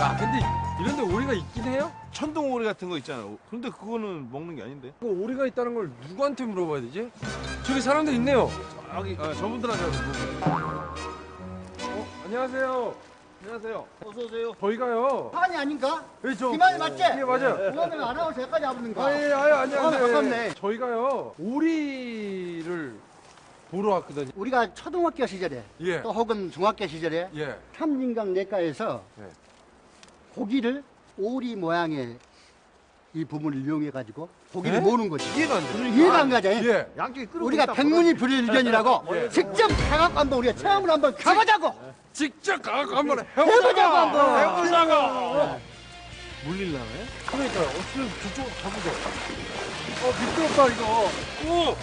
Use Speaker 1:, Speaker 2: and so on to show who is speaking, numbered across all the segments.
Speaker 1: 야, 근데 이런 데 오리가 있긴 해요?
Speaker 2: 천둥 오리 같은 거 있잖아. 그런데 그거는 먹는 게 아닌데.
Speaker 1: 그 오리가 있다는 걸 누구한테 물어봐야 되지? 저기 사람들 있네요.
Speaker 2: 저분들한테 물어보세요.
Speaker 1: 안녕하세요. 안녕하세요.
Speaker 2: 어서 오세요.
Speaker 1: 저희가요.
Speaker 3: 한이 아닌가?
Speaker 1: 저
Speaker 3: 김한이 맞지?
Speaker 1: 예, 맞아요.
Speaker 3: 오늘 아나운서 여기까지 와보는가?
Speaker 1: 안녕하세요.
Speaker 3: 반갑네.
Speaker 1: 저희가요. 오리를 보러 왔거든요.
Speaker 3: 우리가 초등학교 시절에
Speaker 1: 예.
Speaker 3: 또 혹은 중학교 시절에
Speaker 1: 예.
Speaker 3: 삼진강 내과에서
Speaker 1: 예.
Speaker 3: 고기를 오리 모양의 이 부분을 이용해 가지고 고기를
Speaker 1: 예?
Speaker 3: 모으는 거지.
Speaker 2: 이해가 안 돼.
Speaker 3: 이해가 안 가죠?
Speaker 1: 예.
Speaker 2: 양쪽이 끓고
Speaker 3: 우리가
Speaker 2: 있다.
Speaker 3: 백문이 불여일견이라고
Speaker 1: 예.
Speaker 3: 직접 가갖고 한번 우리가 체험을 한번 가보자고.
Speaker 1: 직접 가서 한번
Speaker 3: 해보자고 한번.
Speaker 1: 해보자고.
Speaker 2: 물릴라네?
Speaker 1: 그러니까요. 어떻게 저쪽으로 가보죠. 미끄럽다 이거. 오.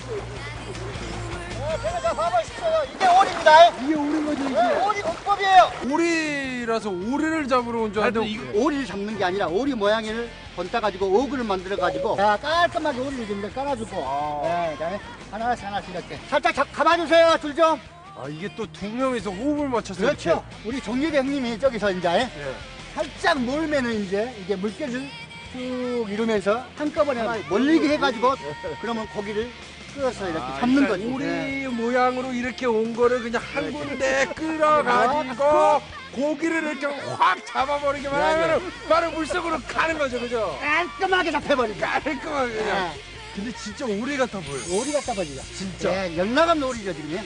Speaker 3: 제가 봐보십시오. 이게 오리입니다.
Speaker 1: 이게 오린 거지 이게.
Speaker 3: 오리 공법이에요.
Speaker 1: 오리라서 오리를 잡으러 온 줄 알았는데.
Speaker 3: 오리를 잡는 게 아니라 오리 모양을 본따 가지고 어그를 만들어 가지고 깔끔하게 오리를 좀 깔아주고 네, 그다음에 하나씩 이렇게 살짝 감아주세요. 줄 좀.
Speaker 1: 이게 또 두 명이서 호흡을 맞춰서
Speaker 3: 그렇죠. 우리 종립 형님이 저기서 이제
Speaker 1: 예.
Speaker 3: 살짝 몰면은 이제 이게 물결을 쭉 이루면서 한꺼번에 몰리게 해가지고 그러면 고기를 끌어서 이렇게 잡는 거지.
Speaker 1: 오리
Speaker 3: 네.
Speaker 1: 모양으로 이렇게 온 거를 그냥 한 군데 끌어가지고 고기를 이렇게 확 잡아버리기만 하면 바로 물속으로 가는 거죠, 그죠?
Speaker 3: 깔끔하게 잡혀버리죠.
Speaker 1: 깔끔하게 그냥.
Speaker 3: 네.
Speaker 1: 근데 진짜 오리 같아 보여.
Speaker 3: 오리 갖다 버리죠.
Speaker 1: 진짜.
Speaker 3: 네, 열나간 오리죠 지금.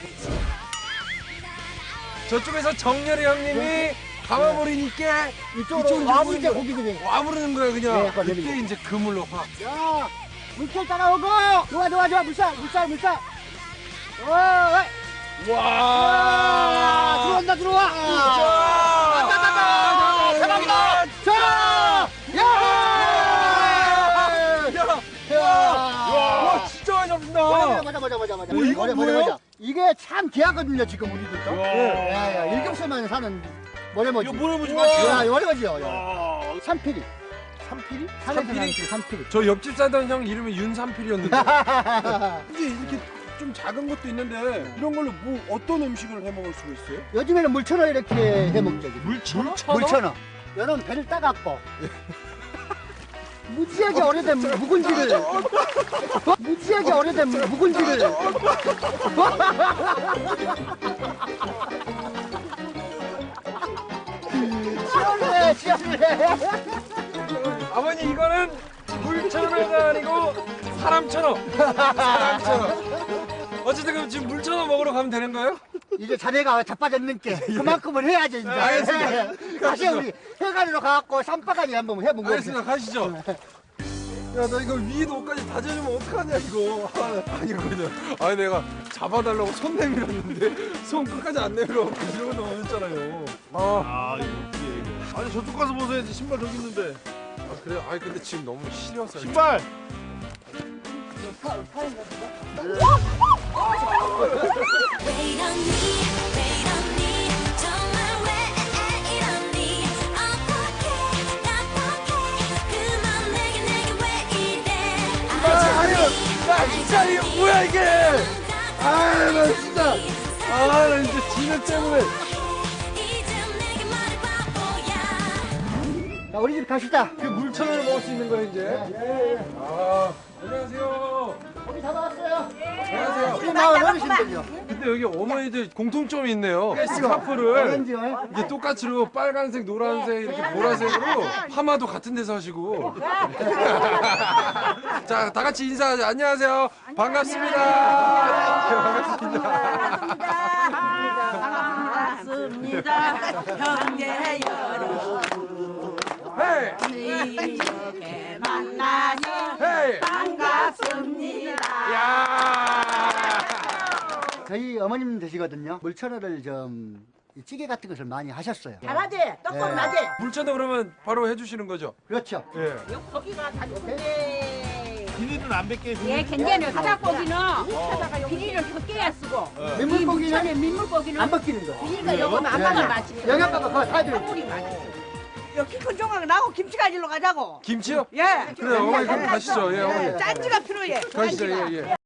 Speaker 1: 저쪽에서 정렬이 형님이 감아버리니까
Speaker 3: 이쪽으로 와부리게 고기들이.
Speaker 1: 와부르는 거야 그냥.
Speaker 3: 네,
Speaker 1: 그때
Speaker 3: 내리고.
Speaker 1: 이제 그물로 확.
Speaker 3: 자, 물결 따라오고. 좋아. 물살.
Speaker 1: 와.
Speaker 3: 들어와. 대박이다. 자,
Speaker 1: 와, 진짜 많이 잡힌다.
Speaker 3: 맞아.
Speaker 1: 이거 뭐예요?
Speaker 3: 이게 참 귀하거든요, 지금 우리들도.
Speaker 2: 야.
Speaker 3: 일급수만 사는 모래모지.
Speaker 2: 이거 모래모지
Speaker 3: 야, 모래모지요. 삼피리.
Speaker 2: 삼피리?
Speaker 3: 삼피리.
Speaker 1: 저 옆집 살던 형 이름이 윤삼필이었는데. 이게 이렇게 좀 작은 것도 있는데 이런 걸로 뭐 어떤 음식을 해 먹을 수가 있어요?
Speaker 3: 요즘에는 물천어 이렇게 해 먹죠.
Speaker 1: 물천어?
Speaker 3: 물천어. 여러분 배를 따갖고 무지하게 오래된 묵은지를 시원해.
Speaker 1: 아버님 이거는 물천어가 아니고 사람천어. 어쨌든 그럼 지금 물천어 먹으러 가면 되는 거예요?
Speaker 3: 이제 자네가 자빠졌는게 그만큼은 해야지 이제.
Speaker 1: 알겠습니다.
Speaker 3: 다시 우리 해가리로 가갖고 쌈바가니 한번 해본 거지.
Speaker 1: 알겠습니다. 가시죠. 야, 나 이거 위에 옷까지 다 젖으면 어떡하냐, 이거. 아니, 그냥. 아니, 내가 잡아달라고 손 내밀었는데, 손 끝까지 안 내밀어갖고 이러고 넘어졌잖아요.
Speaker 2: 이거. 아니 저쪽 가서 보세요. 신발 저기 있는데.
Speaker 1: 그래요? 아니, 근데 지금 너무 시려서.
Speaker 2: 신발.
Speaker 4: 왜 이러니 정말 왜 이러니 어떡해 그만 내게 왜 이래
Speaker 1: 나 진짜 이게 뭐야, 이게! 나 진짜. 나 이제 지는 때문에.
Speaker 4: 이제 내게 말해봐 뭐야
Speaker 3: 자, 우리 집 갑시다.
Speaker 1: 그 물천어를 먹을 수 있는 거야, 이제? 안녕하세요.
Speaker 3: 고기 잡아왔어요.
Speaker 1: 안녕하세요.
Speaker 3: 우리 마을 어르신들요.
Speaker 1: 근데 여기 어머니들 공통점이 있네요. 스카프를
Speaker 3: 오렌지요.
Speaker 1: 이게 똑같이로 빨간색, 노란색, 이렇게 보라색으로 파마도 같은 데서 하시고. 자, 다 같이 인사하자. 안녕하세요. 반갑습니다.
Speaker 5: 반갑습니다. 형제 여러분
Speaker 1: 헤이!
Speaker 5: 이렇게 만나서
Speaker 1: 헤이!
Speaker 5: 반갑습니다.
Speaker 1: 야!
Speaker 3: 저희 어머님 되시거든요. 물천어를 좀 찌개 같은 것을 많이 하셨어요.
Speaker 5: 잘하지? 떡국
Speaker 3: 네.
Speaker 5: 나지?
Speaker 1: 물천도 그러면 바로 해주시는 거죠?
Speaker 3: 그렇죠.
Speaker 1: 예.
Speaker 5: 요 고기가 다 좋은데.
Speaker 2: 비닐은 안 뱉게.
Speaker 6: 예, 굉장히 바닥고기는 비닐을 벗겨야 쓰고
Speaker 3: 민물고기는
Speaker 6: 민물고기는
Speaker 3: 안 벗기는 거.
Speaker 6: 비닐가 요거는 안 받아 맛이
Speaker 3: 영양가가 그거 다 들어.
Speaker 6: 꿀이 맛있어.
Speaker 5: 여기 큰 종각 나고 김치 가지러 가자고.
Speaker 1: 김치요?
Speaker 5: 예.
Speaker 1: 그래요. 어머니 그럼 가시죠. 예, 어머니.
Speaker 5: 짠지가 필요해.
Speaker 1: 가시죠. 예, 예.